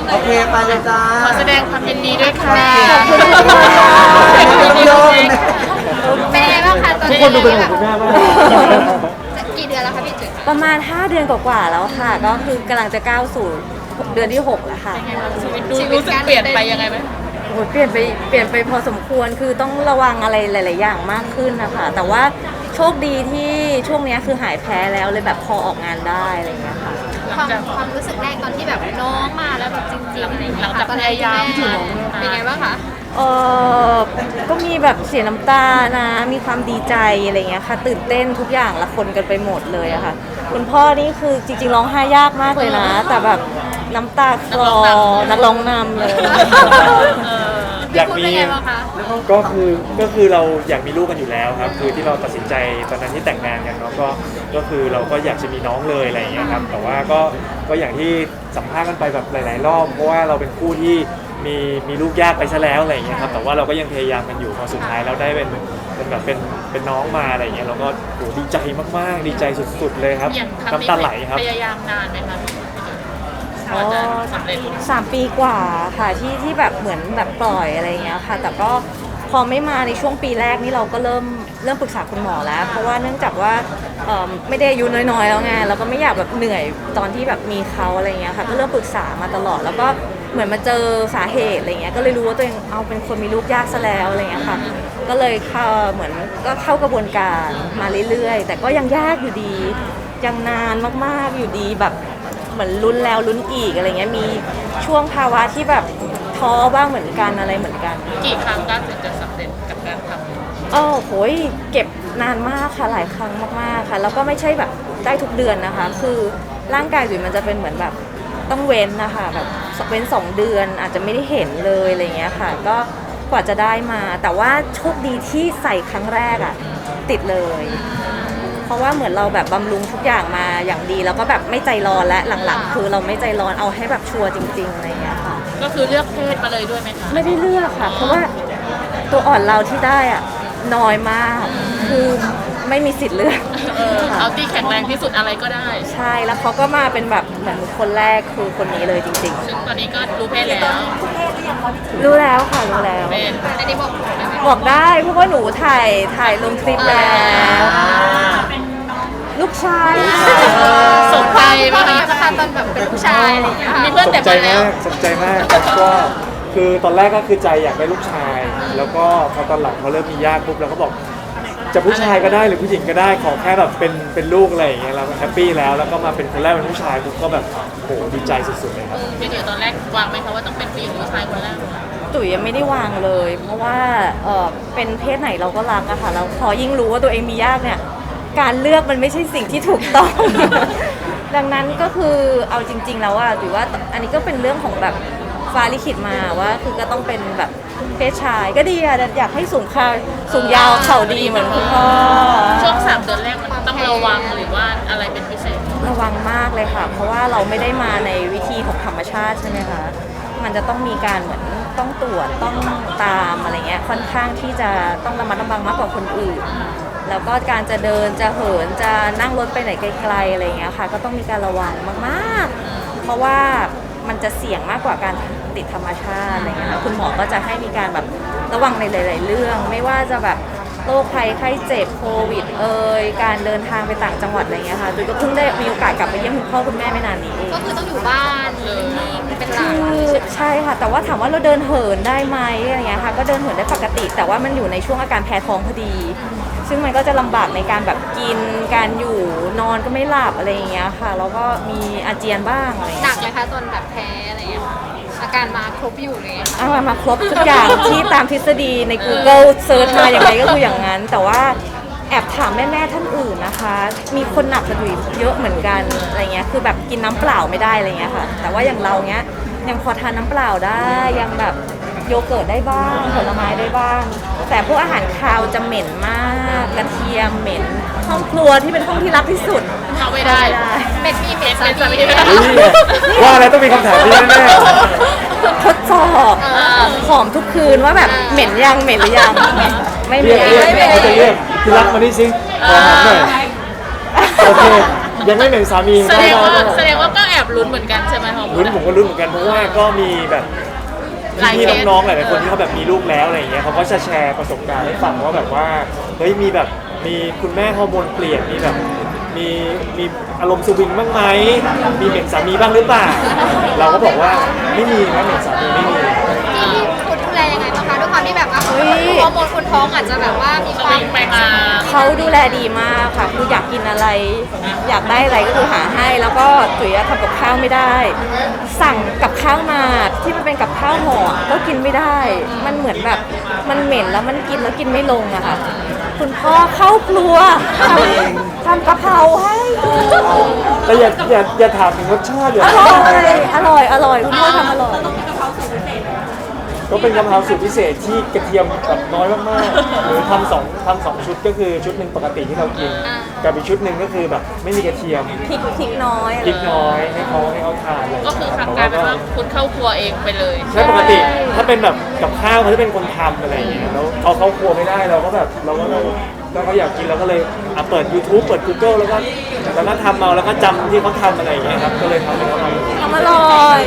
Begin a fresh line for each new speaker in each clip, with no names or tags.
โอเคไปเลยจ้า
ขอแสดงความยินดีด้วยค่ะ
ขอบคุณค่ะ
เป็นไงบ้างคะตอน
ทุก
นี้
คนดูเป็นห่วงคุณแม่มาก
กี่เดือนแล้วคะพี่จุ๋ย
ประมาณ5 เดือนกว่าๆแล้วค่ะ ก็คือกำลังจะก้าวสู่เดือนที่6แล้วค่ะ
ชีวิตรู้สึกเปลี่ยนไปยังไงไหม
โอ้ยเปลี่ยนไปพอสมควรคือต้องระวังอะไรหลาย ๆ อย่างมากขึ้นนะคะแต่ว่าโชคดีที่ช่วงเนี้ยคือหายแพ้แล้วเลยแบบพอออกงานได้อะไรอย่างเงี้ยค่ะ
ความรู้สึกแรกตอนที่แบบน้องมาแล้วแบบจริงๆอะไรอย่าง
หลั
เงี้
ง
ย
จาก
ตอน
พ
แรก
ยายาม
เป็นไงบ้างคะ
เออก็มีแบบเสียน้ำตานะมีความดีใจอะไรเงี้ยค่ะตื่นเต้นทุกอย่างละคนกันไปหมดเลยอะค่ะคุณพ่อนี่คือจริง ๆ ร้องไห้ยากมากเลยนะ แต่แบบน้ำตาคลอนักร้องนำเลย
อยาก
พูด
มี
เป็นไงบ้างคะ
ก็คือเราอยากมีลูกกันอยู่แล้วครับคือที่เราตัดสินใจตอนนั้นที่แต่งงานกันเนาะก็คือเราก็อยากจะมีน้องเลยอะไรอย่างเงี้ยครับแต่ว่าก็อย่างที่สัมภาษณ์กันไปแบบหลาย ๆ รอบเพราะว่าเราเป็นคู่ที่มีลูกยากไปซะแล้วอะไรอย่างเงี้ยครับแต่ว่าเราก็ยังพยายามกันอยู่พอสุดท้ายแล้วได้เป็นแบบเป็นน้องมาอะไรอย่างเงี้ยเราก็โหดีใจมากๆดีใจสุด ๆ เลยครับ
อย่างครั้ง
น้ำ
นี้
ตาไหลครับ
พยายามนานไหมคะพี่
อ๋อ
จะสำเร็จ
3 ปีกว่าค่ะที่แบบเหมือนแบบปล่อยอะไรอย่างเงี้ยค่ะ แต่ก็พอไม่มาในช่วงปีแรกนี่เราก็เริ่มปรึกษาคุณหมอแล้ว เพราะว่าเนื่องจากว่าไม่ได้อายุน้อยๆแล้วไงเราก็ไม่อยากแบบเหนื่อยตอนที่แบบมีเขาอะไรเงี้ยค่ะก็เริ่มปรึกษามาตลอดแล้วก็เหมือนมาเจอสาเหตุอะไรเงี้ยก็เลยรู้ว่าตัวเองเอาเป็นคนมีลูกยากซะแล้วอะไรเงี้ยค่ะก็เลยเข้าเหมือนก็เข้ากระบวนการมาเรื่อยๆ แต่ก็ยังยากอยู่ดียังนานมากๆอยู่ดีแบบเหมือนลุ้นแล้วลุ้นอีกอะไรเงี้ยมีช่วงภาวะที่แบบท้อบ้างเหมือนกันอะไรเหมือนกัน
กี่ครั้งก็ถึงจะสำเร็จกับการทำ
โหยเก็บนานมากค่ะหลายครั้งมากๆค่ะแล้วก็ไม่ใช่แบบได้ทุกเดือนนะคะ คือร่างกายจุ๋ยมันจะเป็นเหมือนแบบต้องเว้นนะคะแบบเว้น2 เดือนอาจจะไม่ได้เห็นเลยอะไรเงี้ยค่ะก็กว่าจะได้มาแต่ว่าโชคดีที่ใส่ครั้งแรกอะติดเลย เพราะว่าเหมือนเราแบบบำรุงทุกอย่างมาอย่างดีแล้วก็แบบไม่ใจร้อนและหลังๆคือเราไม่ใจร้อนเอาให้แบบชัวร์จริงๆอะไรเงี้ยค่ะ
ก็คือเลือกเพศมาเลยด้วยไหมคะ
ไม่ได้เลือกค่ะ เพราะว่าตัวอ่อนเราที่ได้อะน้อยมาก คือไม่มีสิทธิ์เลือก
เอาที่แข็งแรงที่สุดอะไรก็ได้
ใช่แล้วเขาก็มาเป็นแบบเหมือนคนแรกคือคนนี้เลยจริง
ซึ่งตอนนี้ก็รู้เพศแล้ว
ๆ รู้แล้วค่ะรู้แล้ว
เป็น
อันนี้บอกได้ไหม
บอกได้เพราะว่าหนูถ่ายลงคลิปแล้วลูกชาย
สนใจไหม
ตอน
คะ
นี้นะคะตอนแบบเป็นผู้ชายอะไรอย่างเงี้ยค่ะ
มีเพื่อน
ส
แต่
นใจ
มาแล้ว
มากสนใจมากครับก็คือตอนแรกก็คือใจอยากได้ลูกชาย แล้วก็พอตอนหลังเขาเริ่มมีญาติปุ๊บเราก็บอกจะผู้ชายก็ได้หรือผู้หญิงก็ได้ขอแค่แบบเป็นลูกอะไรอย่างเงี้ยเราก็แฮปปี้แล้วก็มาเป็นคนแรกเป็นผู้ชายปุ๊บก็แบบโหดีใจสุดๆเลยครับ
เดี๋ยวตอนแรกวางไหมคะว่าต้องเป็นผู้หญิงหรือผู้ชายคนแรก
ตุ๋ยยังไม่ได้วางเลย เพราะว่าเป็นเพศไหนเราก็รักอะค่ะแล้วพอยิ่งรู้ว่าตัวเองมียากเนี่ยการเลือกมันไม่ใช่สิ่งที่ถูกต้อง ดังนั้นก็คือเอาจริง ๆ แล้วอะถือว่าอันนี้ก็เป็นเรื่องของแบบฟ้าลิขิตมาว่าคือก็ต้องเป็นแบบเพศชายก็ดีอะอยากให้สูงยาวเข่าดีเหมือนคุณพ่อ
ช่วง3 เดือนแรกมันต้องระวังหรือว่าอะไรเป็นพิเศษ
ระวังมากเลยค่ะ เพราะว่าเราไม่ได้มาในวิธีของธรรมชาติใช่ไหมคะมันจะต้องมีการเหมือนต้องตรวจต้องตามอะไรเงี้ยค่อนข้างที่จะต้องระมัดระวังมากกว่าคนอื่น แล้วก็การจะเดินจะเหินจะนั่งรถไปไหนไกลๆอะไรเงี้ยค่ะก็ต้องมีการระวังมากๆ เพราะว่ามันจะเสี่ยงมากกว่าการติดธรรมชาติอะไรเงี้ยค่ะคุณหมอก็จะให้มีการแบบระวังในหลาย ๆ เรื่อง ไม่ว่าจะแบบโรคภัยไข้เจ็บโควิดการเดินทางไปต่างจังหวัดอะไรเงี้ยค่ะจุ๋ยก็เพิ่งได้มีโอกาสกลับไปเยี่ยมคุณพ่อคุณแม่ไม่นานนี้เอง
ก็คือต้องอยู่บ้านนิ่งๆเป็นหลัก
คือใช่ค่ะแต่ว่าถามว่าเราเดินเหินได้ไหมอะไรเงี้ยค่ะก็เดินเหินได้ปกติ แต่ว่ามันอยู่ในช่วงอาการแพ้ท้องพอดี ซึ่งมันก็จะลำบากในการแบบกินการอยู่นอนก็ไม่หลับอะไรอย่างเงี้ยค่ะแล้วก็มีอาเจียนบ้างอะไร
หนั
เงี้
ก
ย
เลยคะตอนแบบแพ้อะไรอย่างเงี้ยค่ะอาการมาครบอยู่เลยค่ะ
เอามาครบทุกอย่าง ที่ตามทฤษฎีใน Google เซิร์ชมาอย่างไรก็คืออย่างนั้น แต่ว่าแอบถามแม่ๆท่านอื่นนะคะ มีคนหนักกว่าดุยเยอะเหมือนกันอะไรเงี้ยคือแบบกินน้ำเปล่าไม่ได้อะไรเงี้ยค่ะแต่ว่าอย่างเราเงี้ยยังพอทานน้ำเปล่าได้ยังแบบโยเกิร์ตได้บ้างผลไม้ได้บ้าง แต่พวกอาหารคาวจะเหม็นมากกระเทียมเหม็นห้องครัวที่เป็นห้องที่รักที่สุด
เข้าไม่ได้
เป็นมีเม็ดสา
เป็นสามี
มี
ว่าอะไรต้องมีคำถามนี้แน่
ทดสอบหอมทุกคืนว่าแบบเหม็นยังเหม็นหรือยังไม่
ๆ
เห
เรี
ม็
ยก
น
เขาจะเรียกที่รักมานี่สิขอถามหน่อยโอเคยังไม่เหม็นสามี
แสดงว่า
ได้
แสดงว่าก็แอบลุ้นเหมือนกันใช่ไหมฮอร์โม
ลุ้น
น
ผมก็ลุ้นเหมือนกันเพราะว่าก็มีแบบ
หลาย
พี่
เคส
ๆน้องๆหลายๆคนที่เขาแบบมีลูกแล้วอะไรอย่างเงี้ยเขาก็จะแชร์ประสบการณ์ให้ฟังว่าแบบว่าเฮ้ยมีแบบมีคุณแม่ฮอร์โมนเปลี่ยนมีแบบมีอารมณ์สวิงบ้างไหมมีเหม็นสามีบ้างหรือเปล่าเราก็บอกว่าไม่มีนะเหม็นสามีไม่มี
ที่คุณดูแลยังไงบ้างคะด้วยความที่แบบว่าฮอร์โมนคนท้องอาจจะแบบว่ามี
ส
ควา
วิ
ม
งไปมา
เขาดูแลดีมากค่ะ คืออยากกินอะไร อยากได้อะไรก็คือหาให้ แล้วก็จุ๋ยทำกับข้าวไม่ได้ สั่งกับข้าวมาที่มันเป็นกับข้าวห่อก็กินไม่ได้ มันเหมือนแบบมันเหม็นแล้วมันกินแล้วกินไม่ลงอะค่ะ คุณพ่อเข้าครัวทำกะเพราให้
แต่อย่าถามถึงรสชาติอย่า
อร่อยคุณพ่อทำอร่อย
ก็เป็นกะเพราสูตรพิเศษที่กระเทียมแบบน้อยมากๆหรือทำสองชุดก็คือชุดหนึ่งปกติที่เรากินกับอีกชุดหนึ่งก็คือแบบไม่มีกระเทียม
พริกน้อย
พริกน้อยให้เขาทานอะไร
ก็คือครั้งกลายเป็นว่าคุณเข้าครัวเองไปเลย
ใช่ปกติถ้าเป็นแบบกับข้าวเขาจะเป็นคนทำอะไรอย่างเงี้ยแล้วเอาเข้าครัวไม่ได้เราก็แบบเราก็อยากกินเราก็เลยเปิด YouTube เปิด Google แล้วก็ทำเอาแล้วก็จำที่เขาทำอะไรอย่างเงี้ยครับก็เลยทำให้เขาทำ
ทำอร่อย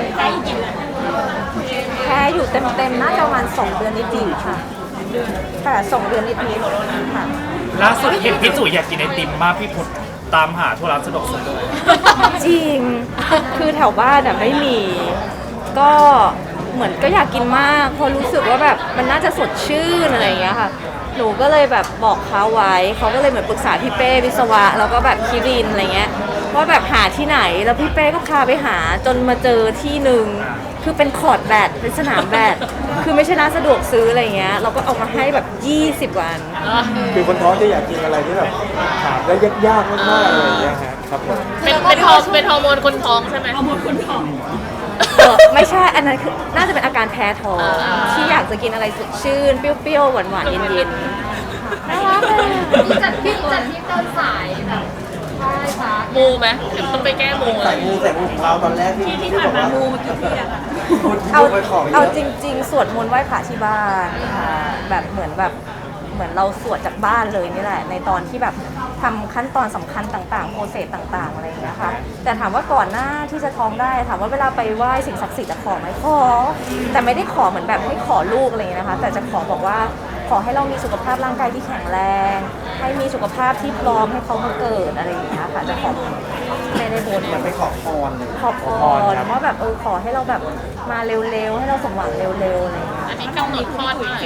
แพ้อยู่เต็มๆน่าจะประมาณ2 เดือนนิดๆค่ะค่ะ2 เดือนนิดๆค่ะ
ล่าสุดเห็นพี่จุ๋ยอยากกินไอติมมากพี่พุทธตามหาทั่วร้านสะดวกซื้อเลย
จริง คือแถวบ้านไม่มี ก็เหมือนก็อยากกินมากเพราะรู้สึกว่าแบบมันน่าจะสดชื่นอะไรอย่างเงี้ยค่ะ หนูก็เลยแบบบอกเขาไว้ เขาก็เลยเหมือนปรึกษาพี่เป้วิศวะแล้วก็แบบคิรินอะไรเงี้ยว่าแบบหาที่ไหน แล้วพี่เป้ก็พาไปหาจนมาเจอที่หนึ่งคือเป็นคอร์ตแบดเป็นสนามแบดคือไม่ใช่ร้านสะดวกซื้ออะไรเงี้ย เราก็เอามาให้แบบ20 วัน
คือคนท้องจะอยากกินอะไรที่แบบหาได้ยากๆมากๆอะไรอย่างเงี้ยครับผม
เป็นฮอร์โมนคนท้องใช่ไหมฮอร์โมนคนท้อง
ไม่ใช่ อันนั้นคือน่าจะเป็นอาการแพ้ท้องที่อยากจะกินอะไรสดชื่น เปรี้ยวๆ หวานๆ เย็นๆ น่ารักเลย
ที่จัดที่เดินสายแบบใช่ค่ะ
มูไหมเดี๋ยวต้องไปแก้มูเล
ใส่
ย
มูของเราตอนแรกที่บอกว่ามูมากี่ปีอะ
เอาจริงๆ สวดมนต์ไหว้พระที่บ้านค่ะแบบเหมือนเราสวดจากบ้านเลยนี่แหละ ในตอนที่แบบทำขั้นตอนสำคัญต่างๆโปรเซสต่างๆอะไรอย่างเงี้ยค่ะแต่ถามว่าก่อนหน้าที่จะท้องได้ถามว่าเวลาไปไหว้สิ่งศักดิ์สิทธิ์ขอไหมขอแต่ไม่ได้ขอเหมือนแบบให้ขอลูกอะไรอย่างเงี้ยนะคะแต่จะขอบอกว่าขอให้เรามีสุขภาพร่างกายที่แข็งแรงให้มีสุขภาพที่พร้อมให้เขามาเกิดอะไรอย่างเงี้ยค่ะจะขอไม่ได้บน
มันไปขอพรเลย
ขอพรว่าแบบขอให้เราแบบมาเร็วๆให้เราสมหวังเร็วๆอะไรอย่างเงี้ย
อันนี้กำหนดคลอดเมื่อไหร่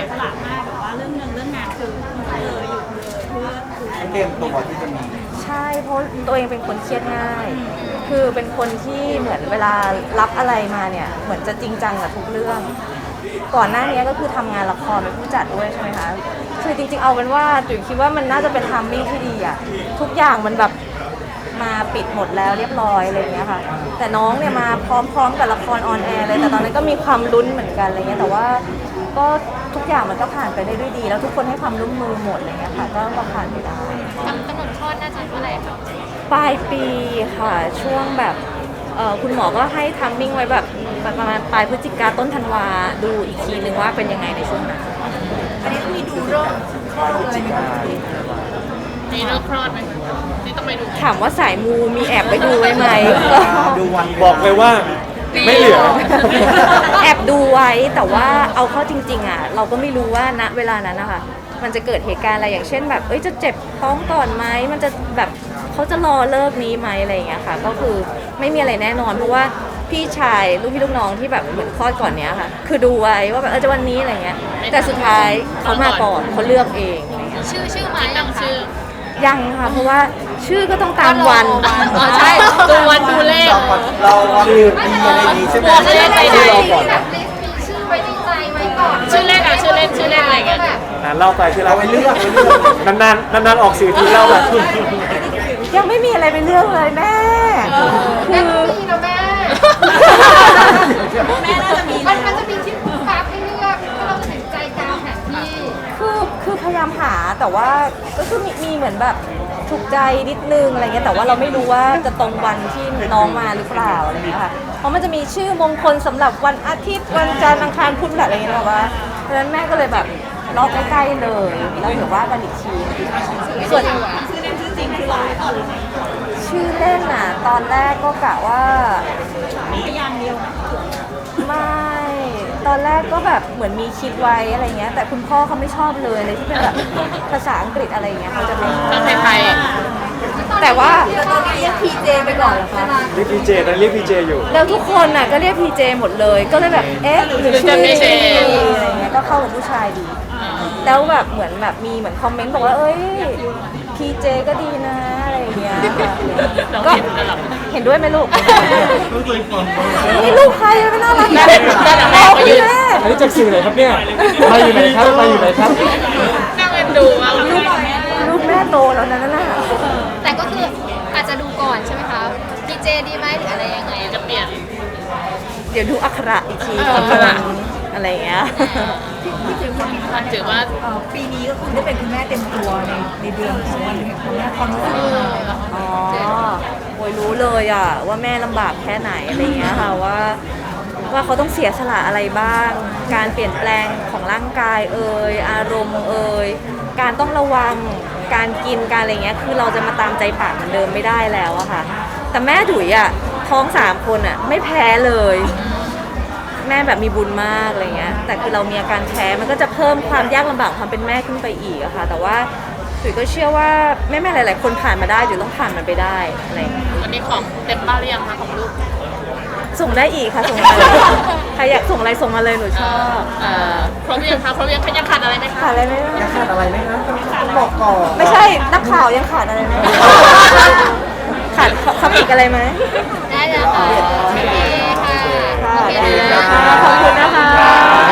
ต้องเตรียมตัวที่จะมี
ใช่เพราะตัวเองเป็นคนเครียดง่าย คือเป็นคนที่เหมือนเวลารับอะไรมาเนี่ยเหมือนจะจริงจังกับทุกเรื่อง ก่อนหน้านี้ก็คือทำงานละครเป็นผู้จัดด้วยใช่ไหมคะคือจริงๆเอาเป็นว่าจุ๋ยคิดว่ามันน่าจะเป็นทัมมิ่งที่ดีอะทุกอย่างมันแบบมาปิดหมดแล้วเรียบร้อยอะไรอย่างเงี้ยค่ะแต่น้องเนี่ยมาพร้อมๆกับละครออนแอร์เลยแต่ตอนนั้นก็มีความลุ้นเหมือนกันอะไรเงี้ยแต่ว่าก็ทุกอย่างมันก็ผ่านไปได้ด้วยดี แล้วทุกคนให้ความร่วมมือหมดอะไรเงี้ยค่ะก็ผ่านไปได้
กำหนดคลอดน่าจะเมื่อไหร่คะ
ปลายปีค่ะช่วงแบบคุณหมอก็ให้ทัมมิ่งไว้แบบประมาณปลายพฤศจิกาต้นธันวาดูอีกทีนึงว่าเป็นยังไงในช่วงนั้น
นี่เลิกคลอดไหมนี่ต้องไปดู
ถามว่าสายมูมีแอบไปดูไว้ไหม
ดูวัน
บอกเลยว่าไม่เหลือ
แอบดูไว้แต่ว่าเอาเข้าจริงๆอ่ะเราก็ไม่รู้ว่าณเวลานั้นนะคะมันจะเกิดเหตุการณ์อะไรอย่างเช่นแบบจะเจ็บท้องก่อนไหมมันจะแบบเขาจะรอเลิกนี้ไหมอะไรอย่างเงี้ยค่ะก็คือไม่มีอะไรแน่นอนเพราะว่าพี่ชายลูกพี่ลูกน้องที่แบบเหมือนคลอดก่อนเนี้ยค่ะคือดูไว้ว่าแบบจะวันนี้อะไรเงี้ยแต่สุดท้ายเขามาก่อนเขาเลือกเองอะไรเงี้ย
ชื่อไหม
ตั้งชื่อ
ยังค่ะเพราะว่าชื่อก็ต้องตามวัน
อ๋อใช่ดูวันดูเลข
เราคือมีอะไรดีใช่ไหม
บอกเลยใจใด
เราก่อน
แบบมีชื่อไว้ในใจไว้ก่อน
ชื่อเลขอะชื่อเล่นชื่อเลขอะไรเงี้ย
แบบ
เล่าไปที่เรา
เราไปเลือก
นานๆออกสื่อทีเล่าแบบ
ยังไม่มีอะไรเป็นเรื่องเลยแม่
แม่ก็มีนะแม่ มันจะมีที่ปุ๊บปั๊บให้เลือกถ้าเราตัดสินใจตามแผนที่
คือพยายามหาแต่ว่าก็คือมีเหมือนแบบถูกใจนิดนึงอะไรเงี้ยแต่ว่าเราไม่รู้ว่าจะตรงวันที่น้องมาหรือเปล่าอะไรเงี้ยค่ะเพราะมันจะมีชื่อมงคลสำหรับวันอาทิตย์วันจันทร์อังคารพุธอะไรเงี้ยแบบว่าเพราะฉะนั้นแม่ก็เลยแบบล็อกใกล้ๆเลยแล้วเดี๋ยวว่ากันอีกทีส่วนใชื่อเล่นอ่ะ ตอนแรกก็กะว่าไม่ตอนแรกก็แบบเหมือนมีคิดไว้อะไรเงี้ยแต่คุณพ่อเขาไม่ชอบเลยที่เป็นแบบภาษาอังกฤษอะไรเงี้ยเขาจะไม่ชอบ
ก็ไทย
แต่ว่าตอนนี้เรียกพีเจไปก่อนเหรอคะ
เรียกพีเจตอนนนเรียกพีเจอยู่
แล้วทุกคนน่ะก็เรียกพีเจหมดเลยก็เลยแบบเอ๊ะหรือชื่ออะไรเงี้ยก็เข้ากับผู้ชายดี แล้วแบบเหมือนแบบมีเหมือนคอมเมนต์บอกว่าเอ้ยพีเจก็ดีนะอะไรอย่างเงี้ย
ๆเรา
ก็
เห็นแล้วหรอ
เห็นด้วยไหมลูก นี่ลูกใครไม่น่ารัก
แม่ก็ยืน
แม่
อันนี้จากสื่อไหนครับเนี่ยมาอยู่ไหนครับมาอยู่ไหนครับ
น่าเอ็นดูมาก
ลูกแม่โตแล้วนะนั่นน่ะ
แต่ก็คืออาจจะดูก่อนใช่ไหมคะดีเจดีไหมหรืออะไรยังไง
จะเปลี่ยน
เดี๋ยวดูอักขระอีกที
อักขระ
อะไรอย่างเงี้ย
ถือว่า
ปีนี้ก็คือได้เป็นคุณแม่เต็มตัวในเดือนของวันแห่งคุณแม่ความรู้สึก
อ๋อโอ้ยรู้เลยอ่ะว่าแม่ลำบากแค่ไหนอะไรเงี้ยค่ะว่าเขาต้องเสียสละอะไรบ้าง การเปลี่ยนแปลงของร่างกายอารมณ์การต้องระวังการกินการอะไรเงี้ยคือเราจะมาตามใจปากเหมือนเดิมไม่ได้แล้วอะค่ะแต่แม่ดุยอะท้อง3 คนอะไม่แพ้เลย แม่แบบมีบุญมากอะไรเงี้ยแต่คือเรามีอาการแพ้มันก็จะเพิ่มความยากลำบากความเป็นแม่ขึ้นไปอีกอะค่ะแต่ว่าจุ๋ยก็เชื่อว่าแม่ๆหลายๆคนผ่านมาได้จุ๋ยต้องผ่านมันไปได้อะไรเงี้ย
วันนี้ของเต็มบ้านหรือยังคะของลูก
ส่งได้อีกค่ะส่งมาเลยใครอยากส่งอะไรส่งมาเลยหนูชอบ
ครบยังคะครบยังยังขาดอะไรไหมคะ
ขาดอะไรไหม
จะขาดอะไรไหมครับต้องบอกก่อน
ไม่ใช่นักข่าวยังขาดอะไรไหมขาดคำอีกอะไรไหม
ได้แล้วค่ะโอเคค่ะ
ค่ะ
โอเค
ได้
นะ
ค่ะขอบคุณนะคะ